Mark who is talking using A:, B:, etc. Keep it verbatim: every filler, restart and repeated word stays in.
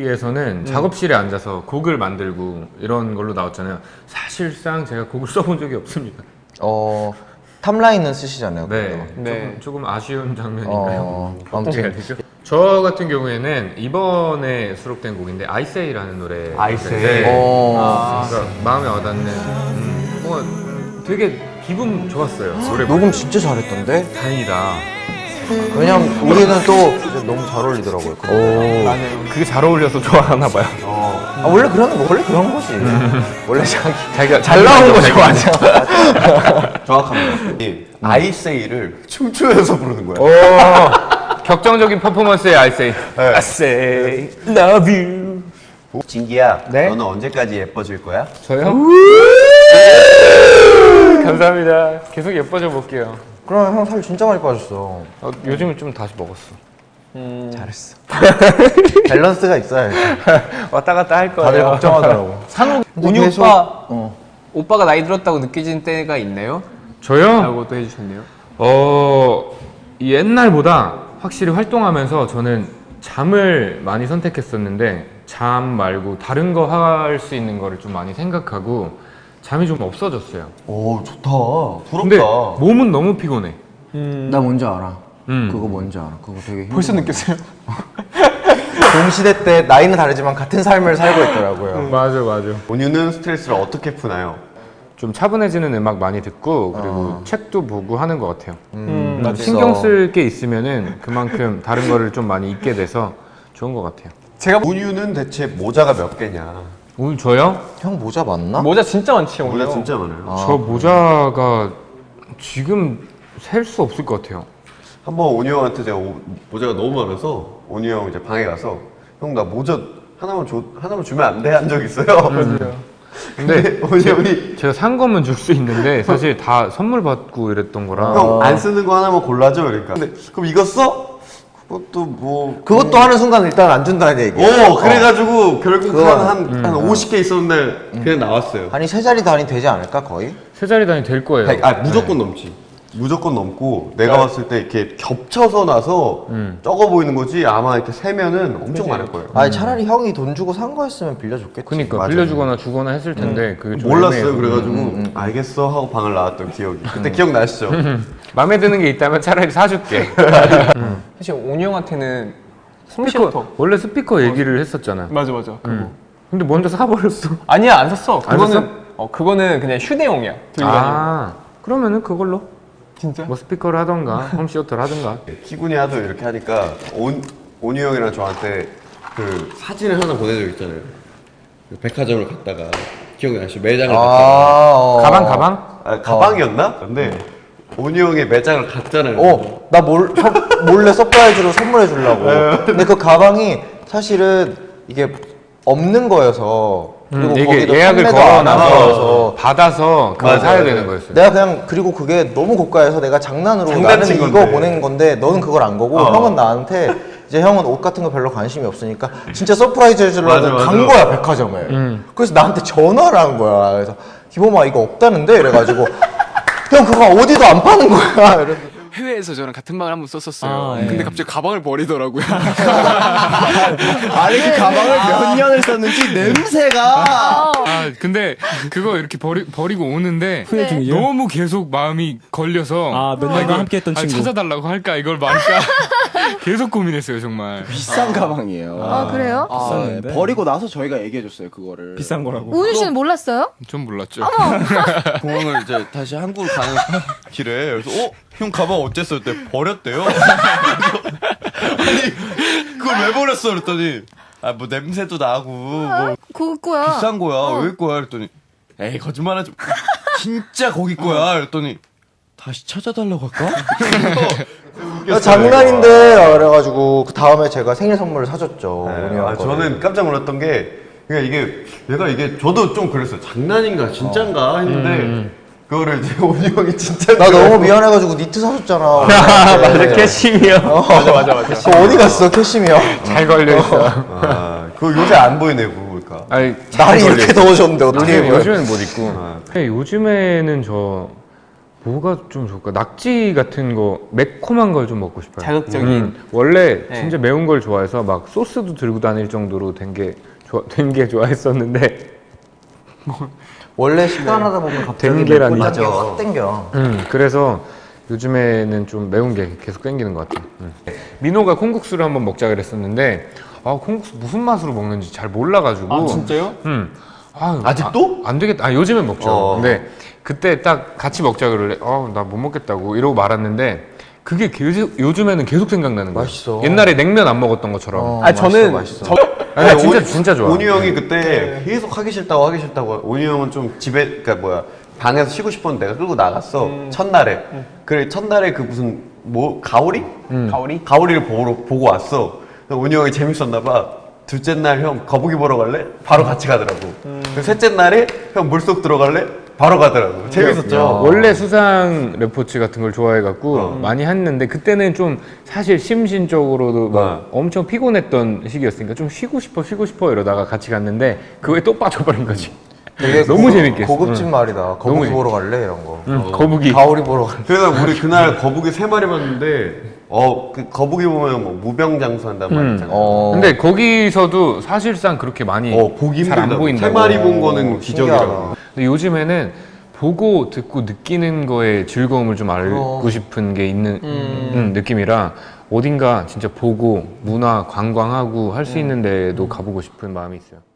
A: 뮤비에서는 음. 작업실에 앉아서 곡을 만들고 이런 걸로 나왔잖아요. 사실상 제가 곡을 써본 적이 없습니다.
B: 어... 탑라인은 쓰시잖아요.
A: 네,
B: 네.
A: 조금, 조금 아쉬운 장면인가요?
B: 어...
A: 어떻게 해야 되죠? 저 같은 경우에는 이번에 수록된 곡인데 아이세이라는 노래.
C: 아이세이.
A: 네.
B: 어...
A: 그러니까 마음에 와닿는 음, 뭔가 되게 기분 좋았어요. 노래
B: 녹음 진짜 잘했던데?
A: 다행이다.
B: 왜냐면 우리는 또 너무 잘 어울리더라고요.
A: 오, 맞아요. 그게 잘 어울려서 좋아하나 봐요.
B: 어. 아, 원래 그런 원래 그런 거지. 원래 자기
A: 자기가
B: 잘 나오는 거 좋아하죠.
C: 정확합니다. 이 아이세이를 춤추면서 부르는 거야.
A: 오, 격정적인 퍼포먼스의 아이세이.
C: 네.
A: I say love you.
C: 진기야,
A: 네?
C: 너는 언제까지 예뻐질 거야?
A: 저요? 감사합니다. 계속 예뻐져 볼게요.
B: 그럼 형 살 진짜 많이 빠졌어.
A: 어, 요즘은 좀 다시 먹었어.
B: 음... 잘했어. 밸런스가 있어야지.
A: 왔다 갔다 할 거예요.
B: 다들 걱정하더라고.
D: 상욱, 운이
B: 계속...
D: 오빠,
B: 어.
D: 오빠가 나이 들었다고 느껴지는 때가 있나요?
A: 저요?
D: 라고 또 해주셨네요.
A: 어, 옛날보다 확실히 활동하면서 저는 잠을 많이 선택했었는데 잠 말고 다른 거 할 수 있는 거를 좀 많이 생각하고 잠이 좀 없어졌어요.
C: 오, 좋다.
A: 근데
C: 부럽다.
A: 몸은 너무 피곤해.
B: 음... 나 뭔지 알아.
A: 음.
B: 그거 뭔지 알아. 그거 되게 힘들어.
D: 벌써 느꼈어요?
B: 동시대 때 나이는 다르지만 같은 삶을 살고 있더라고요.
A: 음, 맞아 맞아.
C: 온유는 스트레스를 어떻게 푸나요?
A: 좀 차분해지는 음악 많이 듣고 그리고
B: 어.
A: 책도 보고 하는 것 같아요.
B: 음,
A: 음, 신경 쓸 게 있으면은 그만큼 다른 거를 좀 많이 잊게 돼서 좋은 것 같아요.
D: 제가
C: 온유는 대체 모자가 몇 개냐?
A: 오늘 저요?
B: 형 모자 맞나?
D: 모자 진짜 많지, 오늘.
C: 모자 진짜 많아요.
B: 아,
A: 저 모자가 지금 셀 수 없을 것 같아요.
C: 한번 온유 형한테 제가 오- 모자가 너무 많아서 온유 형 이제 방에 가서 형 나 모자 하나만 줘 하나만 주면 안 돼 한 적 있어요. 근데 온유 형이
A: 제가 산 거면 줄 수 있는데 사실 다 선물 받고 이랬던 거라.
C: 형 안 쓰는 거 하나만 골라줘 그러니까. 근데 그럼 이거 써? 그것도 뭐
B: 그것도 하는 순간 일단 안 준다는 얘기.
C: 오 그래가지고 결국
B: 그거-
C: 한한 한 오십 개 있었는 날 그냥 나왔어요.
B: 아니 세 자리 단위 되지 않을까 거의?
A: 세 자리 단위 될 거예요.
C: 아니, 아 무조건 넘지. 무조건 넘고 내가 봤을 때 이렇게 겹쳐서 나서
A: 음.
C: 적어 보이는 거지 아마 이렇게 세면은 엄청 많을 거예요.
B: 아니 차라리 형이 돈 주고 산 거였으면 빌려줬겠지.
A: 그러니까
B: 맞아.
A: 빌려주거나 주거나 했을 텐데 그게 좀
C: 몰랐어요.
A: 애매해서.
C: 그래가지고 알겠어 하고 방을 나왔던 기억이. 그때 기억나시죠?
A: 마음에 드는 게 있다면 차라리 사줄게.
D: 사실 온유 형한테는
A: 스피커,
D: 홈시어터.
A: 원래 스피커 얘기를 했었잖아.
D: 맞아, 맞아. 그거.
A: 음. 근데 먼저 사버렸어.
D: 아니야, 안 샀어.
A: 안
D: 그거는,
A: 샀어?
D: 어, 그거는 그냥 휴대용이야. 들고 다니는.
A: 아, 그러면은 그걸로
D: 진짜?
A: 뭐 스피커를 하던가 홈시어터를 하던가.
C: 키군이 하도 이렇게 하니까 온, 온유 형이랑 저한테 그 사진을 하나 보내준 적 있잖아요. 그 백화점을 갔다가 기억나시죠? 매장을
B: 아,
C: 갔다가
B: 어.
A: 가방 가방?
C: 아, 가방이었나? 근데 온유 형의 매장을 갔잖아요.
B: 어, 나 몰, 서, 몰래 서프라이즈로 선물해 주려고. 근데 그 가방이 사실은 이게 없는 거여서 그리고
A: 음, 이게
B: 거기도
A: 예약을
B: 판매도 안 한
A: 걸어놔서
B: 거여서
A: 받아서 그걸
C: 맞아요,
A: 사야
C: 맞아요.
A: 되는 거였어요.
B: 내가 그냥 그리고 그게 너무 고가여서 내가 장난으로 나는
C: 장난친
B: 이거
C: 건데.
B: 보낸 건데 너는 그걸 안 거고
C: 어.
B: 형은 나한테 이제 형은 옷 같은 거 별로 관심이 없으니까 진짜 서프라이즈 해주려고
C: 맞아, 맞아.
B: 간 거야 백화점에.
A: 음.
B: 그래서 나한테 전화를 한 거야. 그래서 기범아 이거 없다는데 이래가지고 형 그거 어디도 안 파는 거야. 이래서
E: 해외에서 저랑 같은 방을 한번 썼었어요.
D: 아, 예.
E: 근데 갑자기 가방을 버리더라고요.
F: 아니 그 가방을 몇 년을 썼는지 냄새가
E: 아, 근데 그거 이렇게 버리, 버리고 오는데
G: 후회 중이에요?
E: 너무 계속 마음이 걸려서
G: 아, 몇 년간
E: 이걸-
G: 함께했던
E: 아,
G: 친구.
E: 찾아달라고 할까 이걸 말까 계속 고민했어요 정말.
F: 비싼 가방이에요.
G: 아, 그래요?
F: 아,
G: 비쌌는데?
F: 네. 버리고 나서 저희가 얘기해줬어요 그거를.
G: 비싼 거라고. 우윤 씨는 몰랐어요?
E: 좀 몰랐죠.
H: 공항을 이제 다시 한국으로 가는 길에 그래서 어? 형 가방 어땠어? 그때 버렸대요. 아니 그걸 왜 버렸어? 그랬더니 아 뭐 냄새도 나고 뭐
G: 그거 거야.
H: 비싼 거야.
G: 어.
H: 왜 거야? 그랬더니 에이 거짓말하지 마. 진짜 거기 거야. 그랬더니 다시 찾아달라고 할까?
B: 야, 장난인데 그래가지고 그 다음에 제가 생일 선물을 사줬죠.
C: 네,
B: 온유 형
C: 아,
B: 거를.
C: 저는 깜짝 놀랐던 게 그러니까 이게 얘가 이게 저도 좀 그랬어요. 장난인가 진짠가 했는데 그거를 이제 온유 형이 진짜
B: 나 너무 미안해가지고 니트 사줬잖아.
A: 아, 맞아, 캐시미어.
B: 맞아 맞아 맞아. 그거 어디 갔어 캐시미어?
A: 잘 걸려있어.
C: 아, 그거 요새 안 보이네 그러니까.
A: 아니,
B: 날이 이렇게 더워졌는데 어떻게
A: 요즘,
B: 입어요?
A: 요즘엔 못 입고. 근데 요즘에는 저 뭐가 좀 좋을까? 낙지 같은 거 매콤한 걸 좀 먹고 싶어요.
D: 자극적인.
A: 음, 원래
D: 네.
A: 진짜 매운 걸 좋아해서 막 소스도 들고 다닐 정도로 된 게 된 게 좋아했었는데
B: 원래 식단하다 보면 갑자기
A: 땡계라니.
B: 맞아. 확 땡겨.
A: 음, 그래서 요즘에는 좀 매운 게 계속 땡기는 것 같아요. 음. 민호가 콩국수를 한번 먹자 그랬었는데 아 콩국수 무슨 맛으로 먹는지 잘 몰라가지고
D: 아 진짜요?
A: 음. 아,
C: 아직도?
A: 아, 안 되겠다. 아, 요즘엔 먹죠.
C: 어.
A: 근데 그때 딱 같이 먹자 그러래. 어, 나 못 먹겠다고 이러고 말았는데 그게 계속 요즘에는 계속 생각나는 거예요.
B: 맛있어.
A: 옛날에 냉면 안 먹었던 것처럼.
B: 어,
D: 아 저는
B: 맛있어, 맛있어.
D: 저
A: 아니, 나 진짜
C: 오니-
A: 진짜 좋아.
C: 온유 형이 그때 계속 하기 싫다고 하기 싫다고. 온유 형은 좀 집에 그러니까 뭐야 방에서 쉬고 싶었는데 내가 끌고 나갔어 첫날에. 그래 첫날에 그 무슨 뭐 가오리?
D: 가오리?
C: 가오리를 보러 보고 왔어. 온유 형이 재밌었나 봐. 둘째 날 형 거북이 보러 갈래? 바로 같이 가더라고. 그 셋째 날에 형 물속 들어갈래? 바로 가더라고. 재밌었죠.
A: 원래 수상 레포츠 같은 걸 좋아해갖고
C: 어.
A: 많이 했는데 그때는 좀 사실 심신적으로도 막
C: 어.
A: 엄청 피곤했던 시기였으니까 좀 쉬고 싶어 쉬고 싶어 이러다가 같이 갔는데 그거에 또 빠져버린 거지.
B: 되게
A: 너무
B: 고급-
A: 재밌게 했어.
B: 고급진
A: 응.
B: 말이다.
A: 너무
B: 거북이
A: 재밌-
B: 보러 갈래 이런 거.
A: 응, 거북이.
B: 가오리 보러 갈래.
C: 그래서 우리 그날 거북이 세 마리 봤는데 어 그 거북이 보면 뭐 무병장수한단 말 있잖아.
B: 어.
A: 근데 거기서도 사실상 그렇게 많이
C: 어 보기
A: 잘 안
C: 힘들다.
A: 보인다고.
C: 세 마리 본 거는
B: 오,
C: 기적이라고.
B: 신기하다.
A: 근데 요즘에는 보고 듣고 느끼는 거에 즐거움을 좀 알고
B: 어.
A: 싶은 게 있는 음, 느낌이라 어딘가 진짜 보고 문화 관광하고 할 수 있는 데도 가보고 싶은 마음이 있어요.